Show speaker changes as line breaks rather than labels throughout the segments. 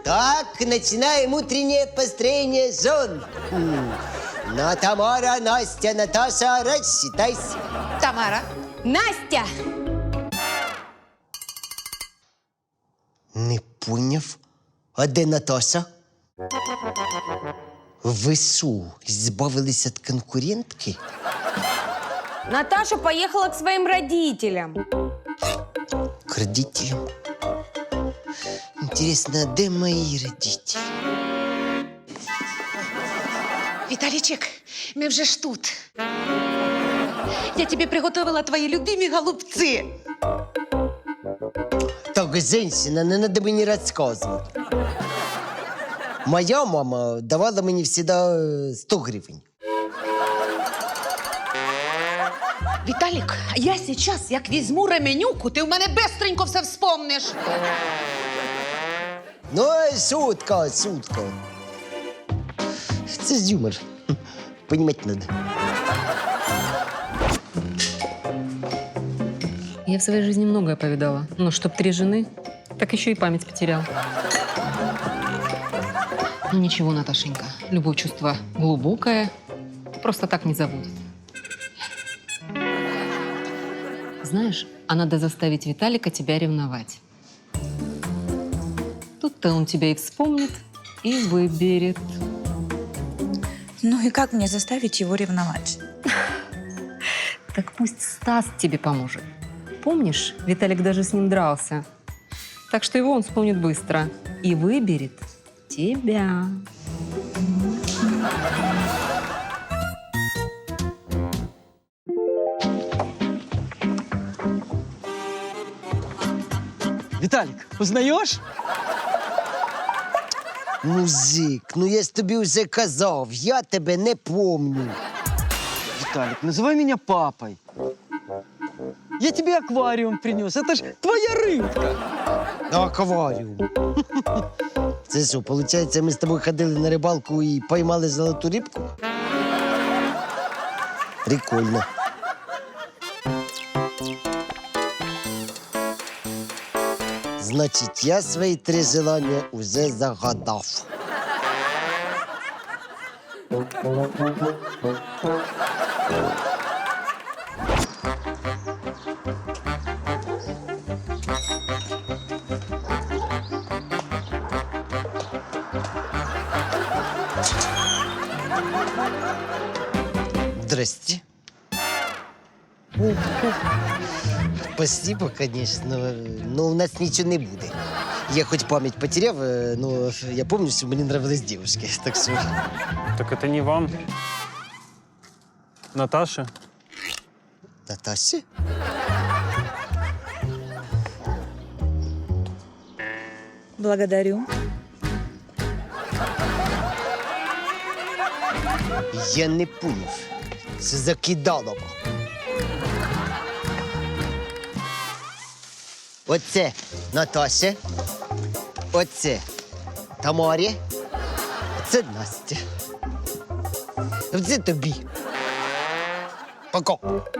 Так, начинаем утреннее построение зон. Ну, Тамара, Настя, Наташа, рассчитайся.
Тамара.
Настя!
Не поняв. А де Наташа? Ви що, збавились від конкурентки?
Наташа поехала к своим родителям.
К родителям? Интересно, а де мої родителі?
Виталичек, мы вже ж тут. Я тебе приготовила твои любимые голубцы.
Так, женщина, не надо мені розказувати. Моя мама давала мені завжди 100 гривень.
Виталик, я сейчас, як візьму ременюку, ти в мене бистренько все вспомниш.
Ну, шутка, шутка. Це ж юмор. Понімати надо.
Я в своей жизни многое повидала. Но чтоб 3 жены, так еще и память потерял. Ну ничего, Наташенька, любое чувство глубокое, просто так не забудет. Знаешь, а надо заставить Виталика тебя ревновать. Тут-то он тебя и вспомнит, и выберет.
Ну и как мне заставить его ревновать?
Так пусть Стас тебе поможет. Помнишь, Виталик даже с ним дрался. Так что его он вспомнит быстро и выберет тебя.
Виталик, узнаешь?
Музик, ну я ж тобі вже казав, я тебе не помню.
Виталик, называй меня папой. Я тебе аквариум принес. Это ж твоя рыбка.
Акваріум. Це що, виходить, ми з тобою ходили на рибалку і поймали золоту рибку? Прикольно. Значить, я свої 3 желання уже загадав. Здрасте. Спасибо, конечно, но у нас ничего не буде. Я хоть память потеряв, но я помню, что мне нравились девушки, так что...
Так это не вам. Наташа.
Наташа?
Благодарю.
Я не поняв. Це закидалово. Оце Наташа. Оце Тамарі. Це Настя. Це тобі. Пока.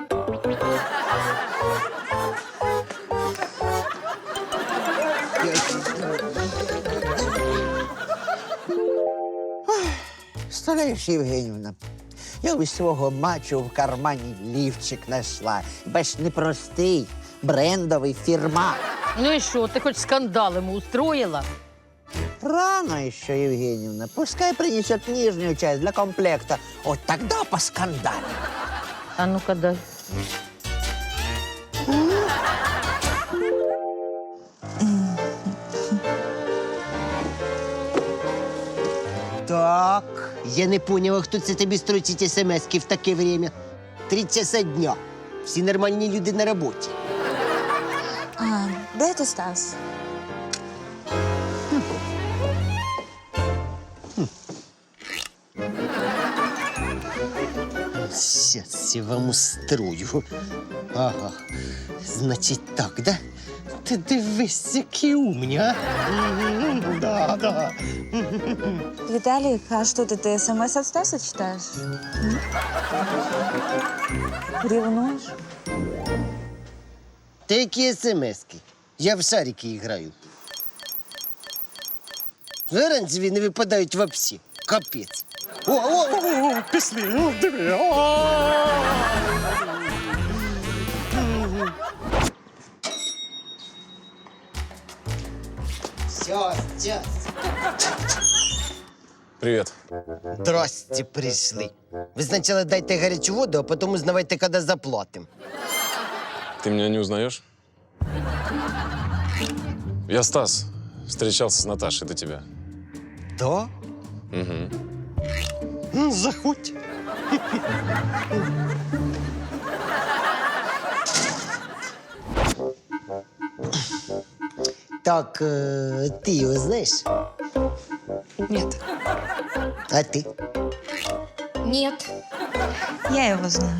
Представляєш, Євгенівна, я із свого мачо в кармані лівчик знайшла. Бач, не простий, брендовий, фірма.
Ну и что, ты хоть скандал ему устроила?
Рано ще, Євгенівна. Пускай принесет нижнюю часть для комплекта. Вот тогда поскандалим.
А ну-ка дай.
Так, я не поняла, хто це тобі строчить смс-ки в таке время. 3 часа дня. Всі нормальні люди на роботі.
А, де ти, Стас?
Сейчас я вам устрою. Ага. Значить так, да? Ти дивись, які умні, а? Да.
Виталик, а что ты СМС от Стаса читаешь? Ревнуешь?
Та які смс-ки? Я в шарики граю. Оранжеві не випадають вообще. Капець.
Пішли, диви.
Сейчас.
Привет.
Здрасте, пришли. Ви спочатку дайте гарячу воду, а потім узнавайте, коли заплатимо.
Ты меня не узнаешь? Я Стас. Встречался с Наташей до тебя.
Да?
Угу.
Заходь. Так, ти його знаєш?
Нет.
А ти?
Нет.
Я его знаю.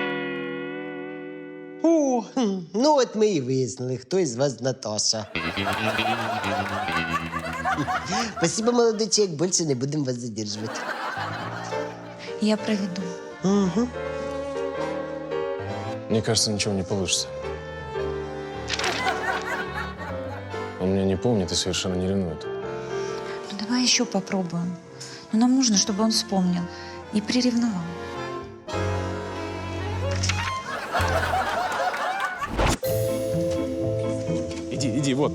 О, ну от ми і вияснили, хто із вас Наташа. Спасибо, молодой человек, більше не будемо вас задержувати.
Я проведу.
Угу.
Мне кажется, ничего не получится. Он меня не помнит и совершенно не ревнует.
Ну, давай еще попробуем. Но нам нужно, чтобы он вспомнил и приревновал.
Иди, вот.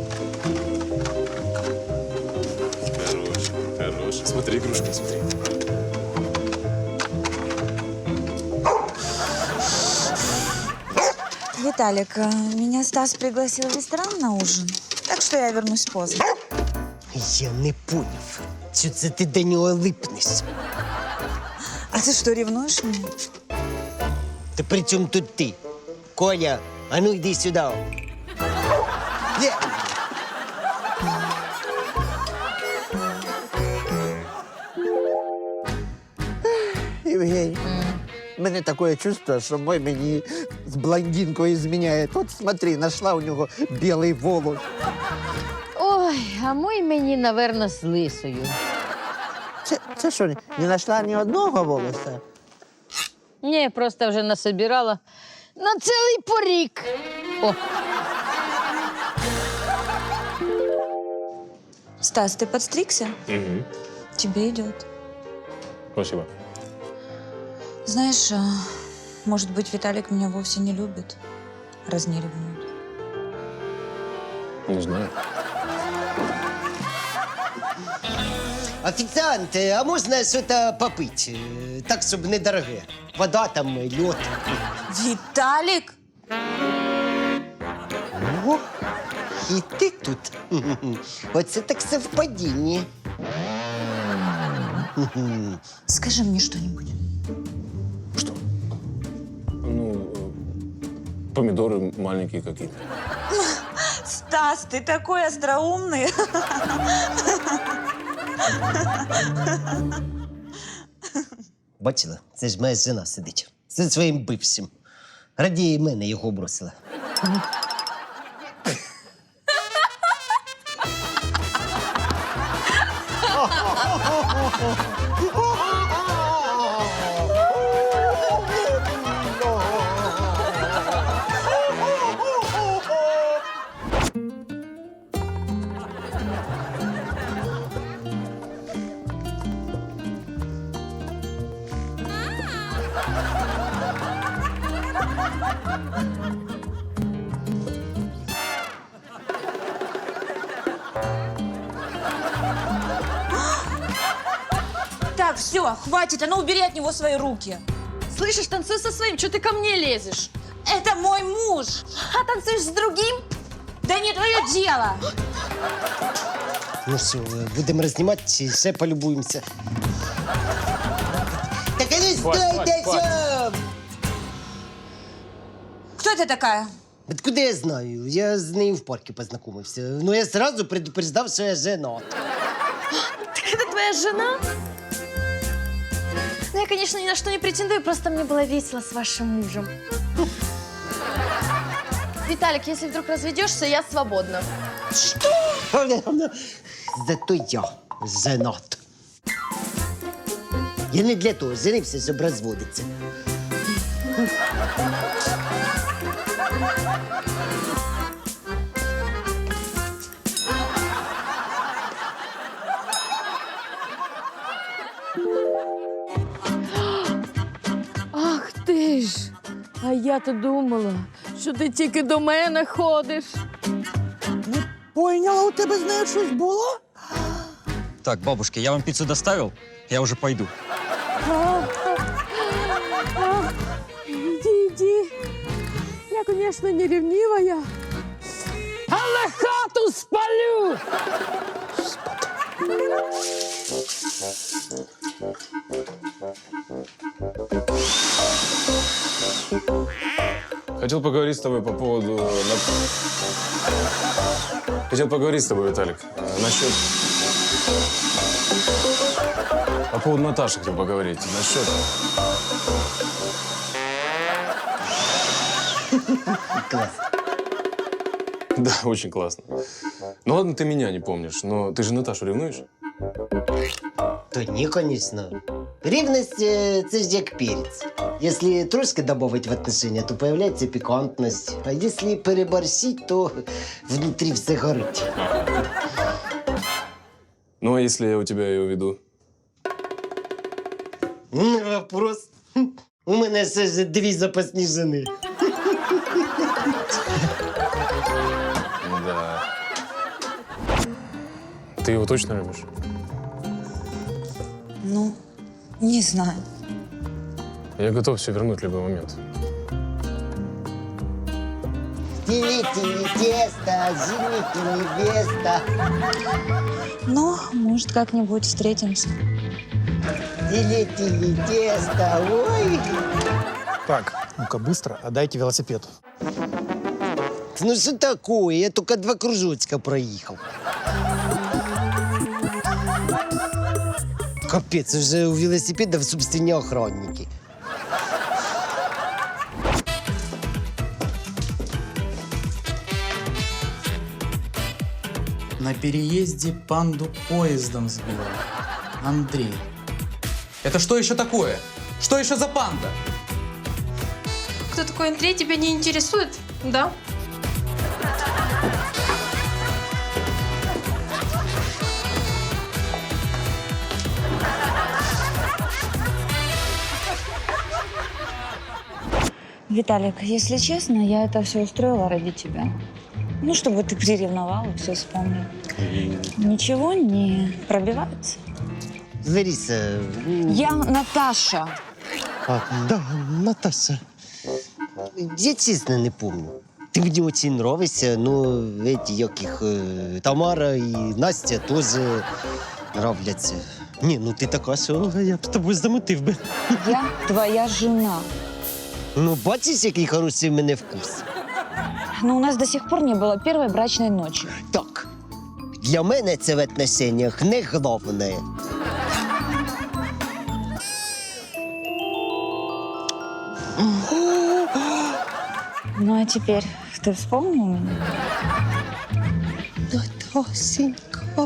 Хорош. Смотри, игрушка, смотри.
Виталик, меня Стас пригласил в ресторан на ужин, так что я вернусь поздно.
Я не поняв, що це ти до нього липнеш.
А ты что, ревнуешь меня?
Та при чому тут ти? Коля, а ну йди сюди. Є.
Євгеній, у мене таке чувство, що мой мені з блондинкою зміняє. От смотри, знайшла у нього білий волос.
Ой, а мой мені, наверно, з лисою.
Це що, не знайшла ні одного волоса?
Ні, просто вже насобирала на цілий порік. О,
Стас, ты подстригся?
Угу.
Тебе идет.
Спасибо.
Знаешь, может быть, Виталик меня вовсе не любит, раз не ревнует.
Не знаю.
Офіціант, а можна щось попити? Так, щоб недороге. Вода там, льод.
Виталик?
О, і ти тут. Оце так совпадіння.
Скажи мне что-нибудь.
Что? Ну, помидоры маленькие какие-то.
Стас, ты такой остроумный.
Бачила, це ж моя жена сидить. Зі своїм бившим. Радіє мене його бросила.
Так, все, хватит, а ну убери от него свои руки.
Слышишь, танцуй со своим, что ты ко мне лезешь?
Это мой муж.
А танцуешь с другим?
Да не твое дело.
Ну що, будемо рознімати чи ще полюбуємося? Так а ну стойте сам!
Кто это такая?
Откуда я знаю? Я з нею в парку познайомився. Ну я сразу предупреждав, що я женат.
Так это твоя жена? Ну, я, конечно, ни на что не претендую, просто мне было весело с вашим мужем. Виталик, если вдруг разведешься, я свободна.
Зато я женат. Я не для того женився, щоб розводитися.
А я-то думала, що ти тільки до мене ходиш.
Поняла, у тебе з нею щось було?
Так, бабушка, я вам пиццу доставил, я уже пойду.
Іди. Я, звісно, не ревнивая, але хату спалю.
Хотел поговорить с тобой по поводу... Хотел поговорить с тобой, Виталик, насчет... По поводу Наташи хотел поговорить. Насчет...
Класс.
Да, очень классно. Ну ладно, ты меня не помнишь, но ты же Наташу ревнуешь?
То ні, звісно. Рівність – це ж як перець. Якщо трошки додати в отношения, то появляється пікантність. А якщо переборщить, то внутрі все горить.
Ну, а если я у тебя ее веду?
Вопрос. У мене ще ж 2 запасні жени.
Да. Ты его точно любишь?
Ну, не знаю.
Я готов все вернуть в любой момент.
Тили-тили тесто, жених и невеста.
Ну, может, как-нибудь встретимся.
Тили-тили тесто, ой.
Так, ну-ка быстро отдайте велосипед.
Ну что такое? Я только 2 кружочка проехал. Капец, уже у велосипедов собственные охранники.
На переезде панду поездом сбил. Андрей. Это что еще такое? Что еще за панда?
Кто такой Андрей, тебя не интересует? Да?
Виталик, если честно, я это все устроила ради тебя. Ну, чтобы ты приревновал и все вспомнил. Ничего не пробивается?
Лариса...
Я Наташа.
А, да, Наташа. Я честно не помню. Ты мне очень нравишься, но эти, яких, Тамара и Настя тоже нравляться. Не, ну ты така, що я б з тобою замутив би.
Я твоя жена.
Ну, бачиш, який хороший в мене вкус.
Но у нас до сих пор не было первой брачной ночи.
Так, для мене це в отношениях не головне.
Ну, а теперь ты вспомнил меня?
Наташенька,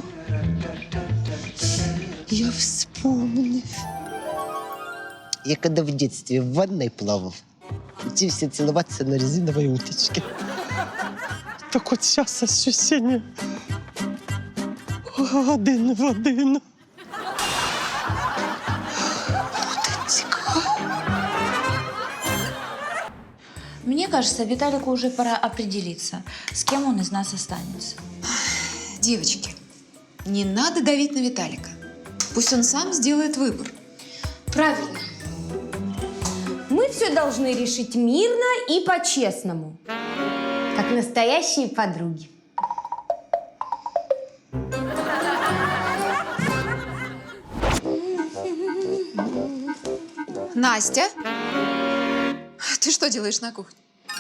я вспомнив. Я когда в детстве в ванной плавал, учился целоваться на резиновой уточке. Так от сейчас ощущение один в один.
Мне кажется, Виталику уже пора определиться, с кем он из нас останется.
Девочки, не надо давить на Виталика. Пусть он сам сделает выбор.
Правильно. Мы все должны решить мирно и по-честному. Как настоящие подруги.
Настя, ты что делаешь на кухне?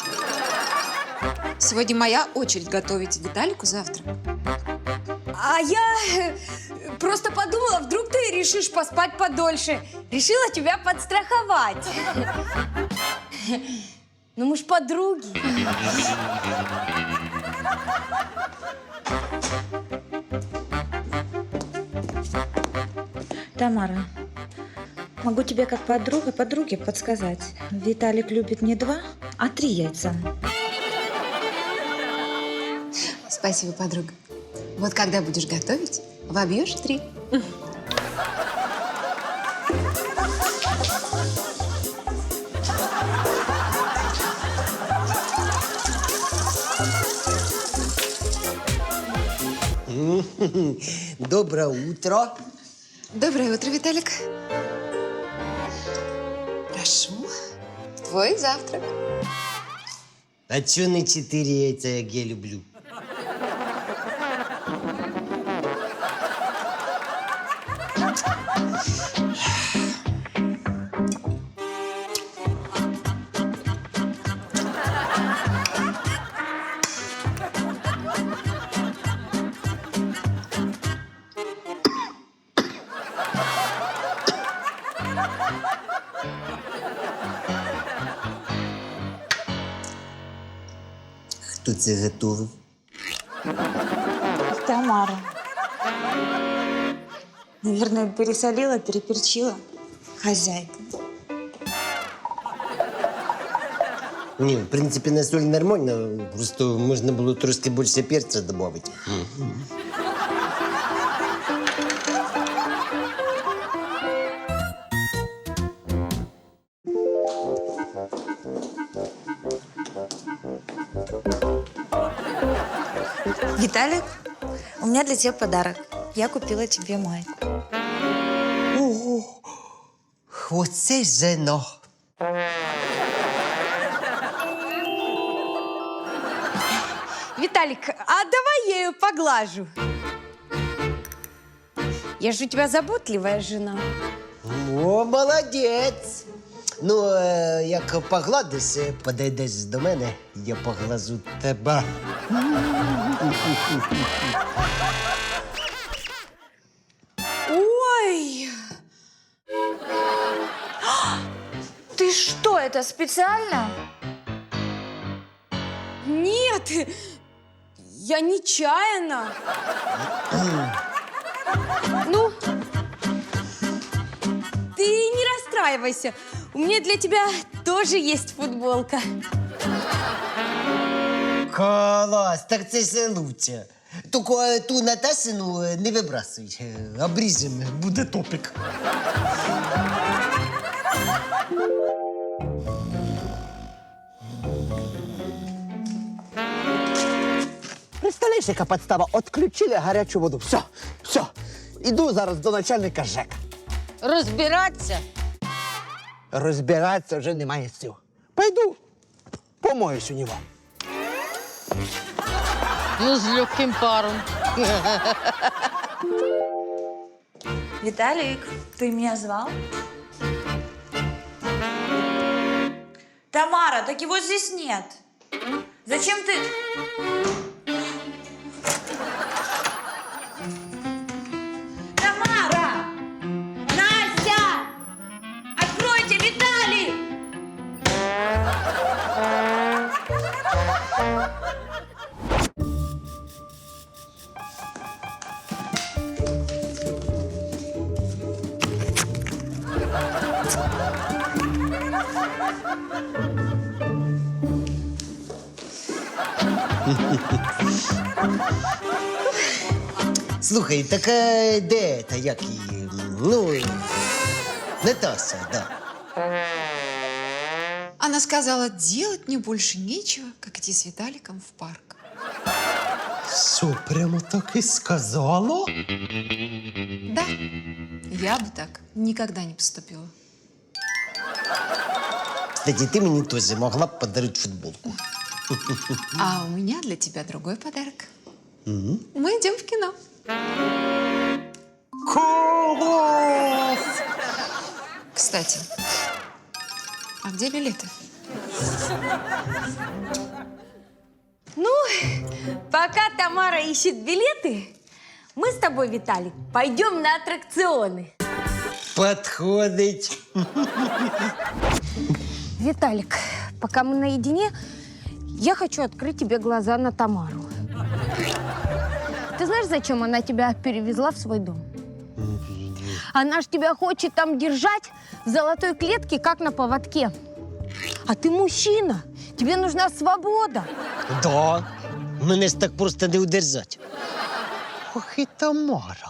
Сегодня моя очередь готовить Виталику завтрак.
А я просто подумала, вдруг ты решишь поспать подольше. Решила тебя подстраховать. Ну мы ж подруги.
Тамара, могу тебе как подруге подсказать. Виталик любит не 2, а 3 яйца.
Спасибо, подруга. Вот когда будешь готовить, вобьешь 3.
Доброе утро.
Доброе утро, Виталик. Прошу. Твой завтрак.
А чё не 4 яйца, як я люблю? Хто це готовив?
Тамара. Наверное, пересолила, переперчила. Хозяйка.
Ні, в принципі, на соль нормально, просто можна було трошки більше перця додати.
Виталик, у меня для тебя подарок. Я купила тебе майку.
Ого! Оце жено!
Виталик, а давай я ее поглажу. Я же у тебя заботливая жена.
О, молодець! Ну, як погладиш, подійдеш до мене, я поглажу тебе.
Ой!
Ты что, это специально?
Нет, я нечаянно. Ну, ты не расстраивайся. У меня для тебя тоже есть футболка.
Клас, так це ж лучше. Тільки ту Наташину не вибрасуй. Обріжемо, буде топік.
Представляєш, яка підстава? Отключили гарячу воду. Все, все. Іду зараз до начальника ЖЕК.
Розбиратися?
Розбиратися вже немає сил. Пойду, помоюсь у нього.
Ну, з легким паром.
Виталик, ты меня звал? Тамара, так его здесь нет. Зачем ты... Тамара! Настя! Откройте, Виталий!
Слухай, так де та як її? Ну, Наташа, да.
Она сказала, делать мне больше нечего, как идти с Виталиком в парк.
Що, прямо так і сказала?
Да, я бы так никогда не поступила.
Кстати, ти мені теж могла б подарити футболку.
А у меня для тебя другой подарок. Мы идем в кино.
Клас!
Кстати, а где билеты?
Ну, пока Тамара ищет билеты, мы с тобой, Виталик, пойдем на аттракционы.
Подходить.
Виталик, пока мы наедине, я хочу открыть тебе глаза на Тамару. Ты знаешь, зачем она тебя перевезла в свой дом? Она ж тебя хочет там держать в золотой клетке, как на поводке. А ты мужчина, тебе нужна свобода.
Да, мене ж так просто не удержать. Ох і Тамара.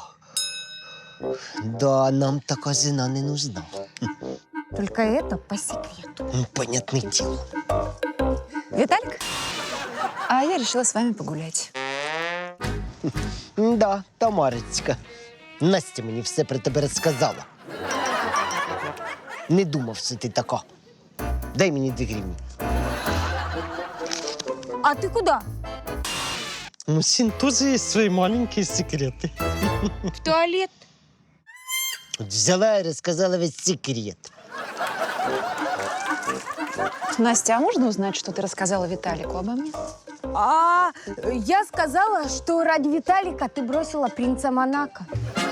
Да, нам така жена не нужна.
Только это по секрету.
Ну, понятное дело.
Виталик, а я решила с вами погулять.
Да, Тамарочка. Настя мені все про тебе розказала. Не думав, що ти така. Дай мені 2 гривні.
А ты куда?
У мужчин тоже есть свои маленькие секреты.
В туалет.
От взяла і розказала весь секрет.
Настя, а можно узнать, что ты рассказала Виталику обо мне?
А я сказала, что ради Виталика ты бросила принца Монако.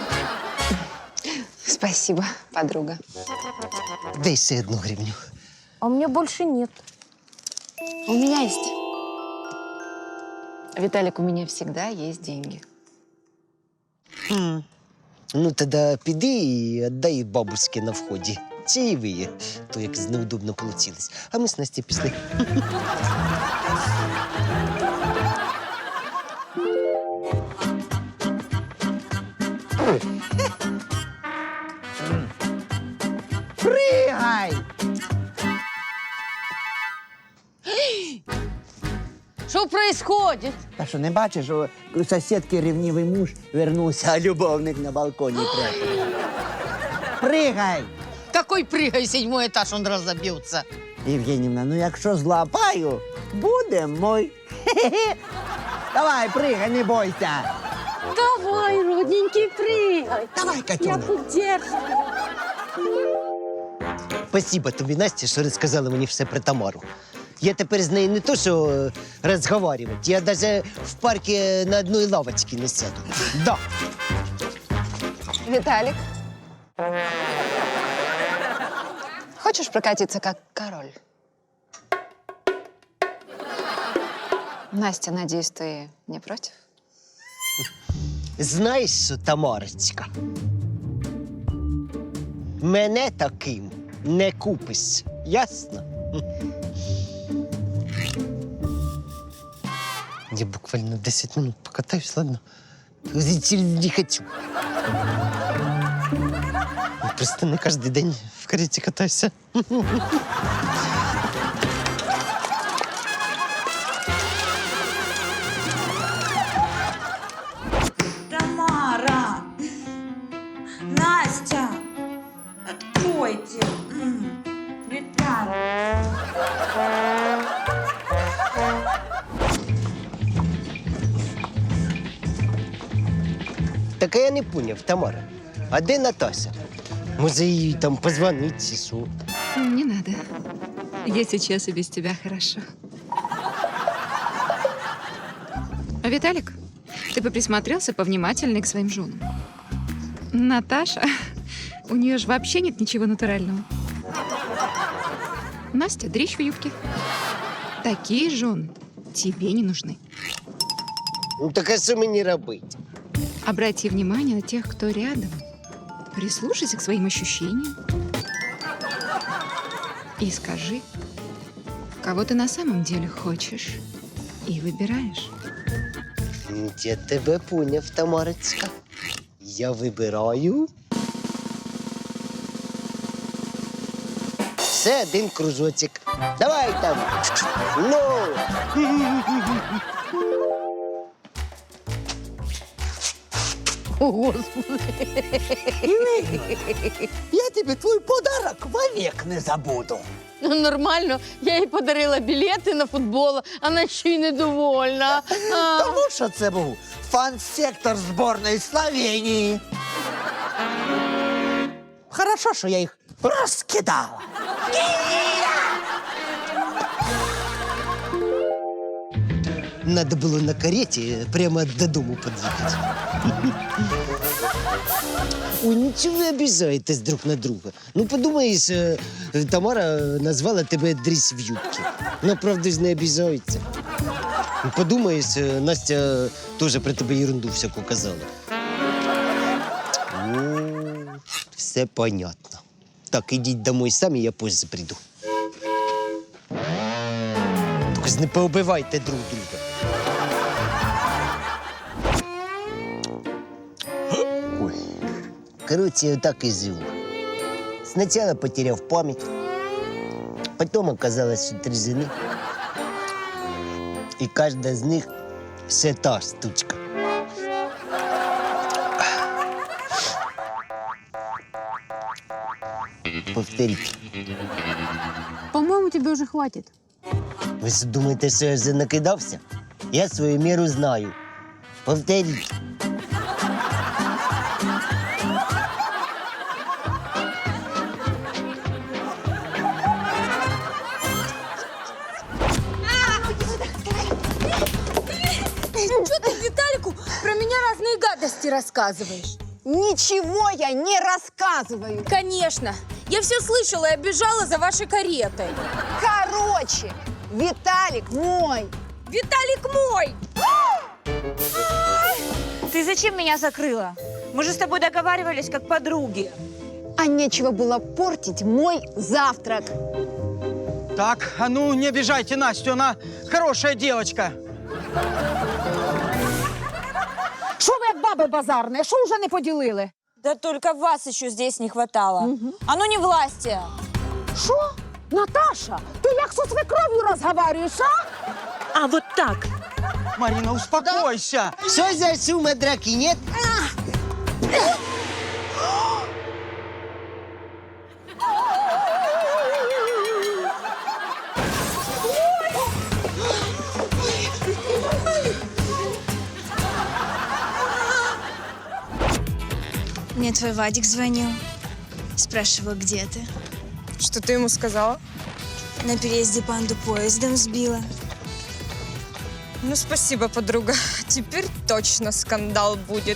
Спасибо, подруга.
Дай ще 1 гривню.
А у меня больше нет.
У меня есть. Виталик, у меня всегда есть деньги.
Ну, тоді піди і віддай бабуськи на вході. Чаєві, то якось неудобно вийшло. А ми з Настю пішли.
Пригай!
Что происходит?
Та що, не бачиш, що у сусідки ревнивий муж вернувся, а любовник на балконі прятав? Пригай!
Какой прыгай, 7-й этаж, он разобьется.
Євгенівна, ну якщо злапаю, буде мой. Хе-хе. Давай, пригай, не бойся.
Давай, родненький, прыгай.
Давай, Катюна.
поддержу.
Спасибо тобі, Настя, що розказала мені все про Тамару. Я тепер з нею не то, що розговорювати, я навіть в парку на одній лавочці не сяду. Да.
Виталик, хочешь прокатиться как король? Настя, надеюсь, ты не против?
Знаєш що, Тамарочка? Мене таким не купиш, ясно? Я буквально 10 минут покатаюсь, ладно? Не хочу. Я просто не кожен день в кареті катаюся.
Тамара! Настя! Откройте! Виталий!
Так а я не поняв, Тамара. А де Наташа? Може, їй там позвонити, чи що?
Не надо. Я сейчас и без тебя хорошо. А Виталик, ты бы присмотрелся повнимательнее к своим женам. Наташа, у нее же вообще нет ничего натурального. Настя, дрищ в юбке. Такие жены тебе не нужны.
Ну так а що мені робити?
Обрати внимание на тех, кто рядом. Прислушайся к своим ощущениям. И скажи, кого ты на самом деле хочешь и выбираешь.
Я тебе поняв, Тамарочка. Я вибираю. Все, 1 кружочок. Давай там. Ну.
О, Господи.
Я тебе твой подарок вовек не забуду.
Ну, нормально. Я їй подарила білети на футбол, вона ще й недовольна.
Тому що це був фан-сектор зборної Словенії. Хорошо, що я їх розкидала.
Надо було на кареті прямо додому під'їхати. Ой, нічого ви обіжаєтесь друг на друга. Ну, подумаєш, Тамара назвала тебе дрісь в юбці. Ну, правда ж не обіжається. Ну, подумаєш, Настя теж про тебе ерунду всяку казала. О, все понятно. Так, ідіть домой самі, я позже прийду. Тільки ж не поубивайте друг друга. Ой. Короче, так и живу. Сначала потерял память, потом оказалось, что 3 жены. И каждая из них все та штучка. Повторіть.
По-моему, тебе уже хватит.
Ви ж думаєте, що я вже накидався? Я свою міру знаю. Повторіть.
Что ты Виталику про меня разные гадости рассказываешь?
Ничего я не рассказываю.
Конечно. Я все слышала и обижала за вашей каретой.
Короче, Виталик мой.
Виталик мой!
Ты зачем меня закрыла? Мы же с тобой договаривались как подруги.
А нечего было портить мой завтрак.
Так, а ну не обижайте Настю, она хорошая девочка.
Що ви як баби базарні? Що вже не поділили?
Да только вас еще здесь не хватало. А ну не власти.
Що? Наташа, ти як зі свекров'ю розговорюєш, а?
А вот так.
Марина, успокойся.
Що за шум, драки, нет?
Мне твой Вадик звонил. Спрашивал, где ты.
Что ты ему сказала?
На переезде панду поездом сбила.
Ну, спасибо, подруга. Теперь точно скандал будет.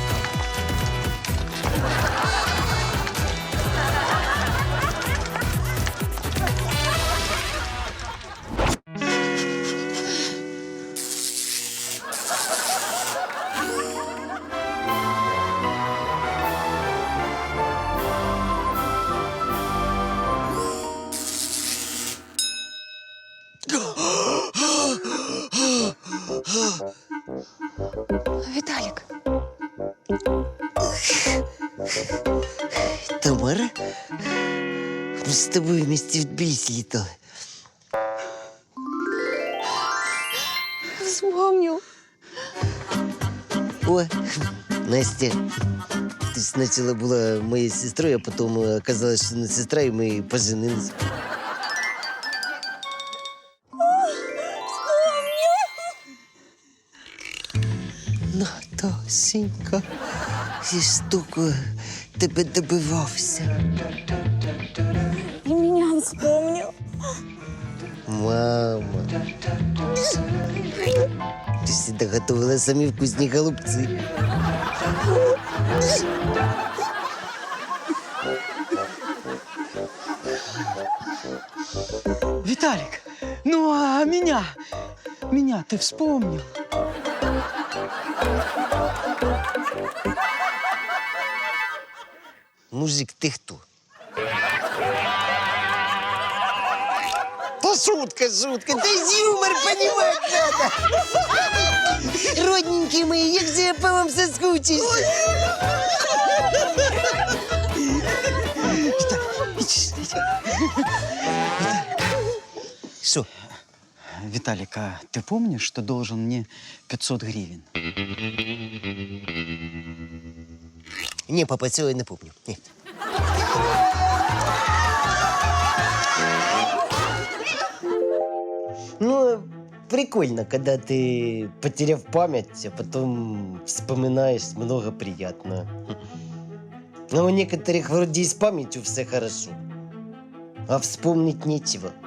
Виталик,
Тамара? Мы с тобой вместе в Тбилиси летали.
вспомнил.
О, Настя. Ты сначала была моей сестрой, а потом оказалось, что она сестра, и мы поженились. Наташенька, я ж столько тебе добивався.
И меня вспомнил.
Мама. Ты всегда готовила самі вкусні голубці.
Виталик, ну а меня? Меня ты вспомнил?
Мужик, ты кто? Да шутка, шутка. Да юмор понимать надо. Родненькие мои, як же я по вам соскучился. Что?
Виталик, а ты помнишь, что должен мне 500 гривен?
Не, папа, цього я не помню. Нет. Ну, прикольно, когда ты, потеряв память, а потом вспоминаешь много приятного. Но у некоторых вроде и с памятью все хорошо, а вспомнить нечего.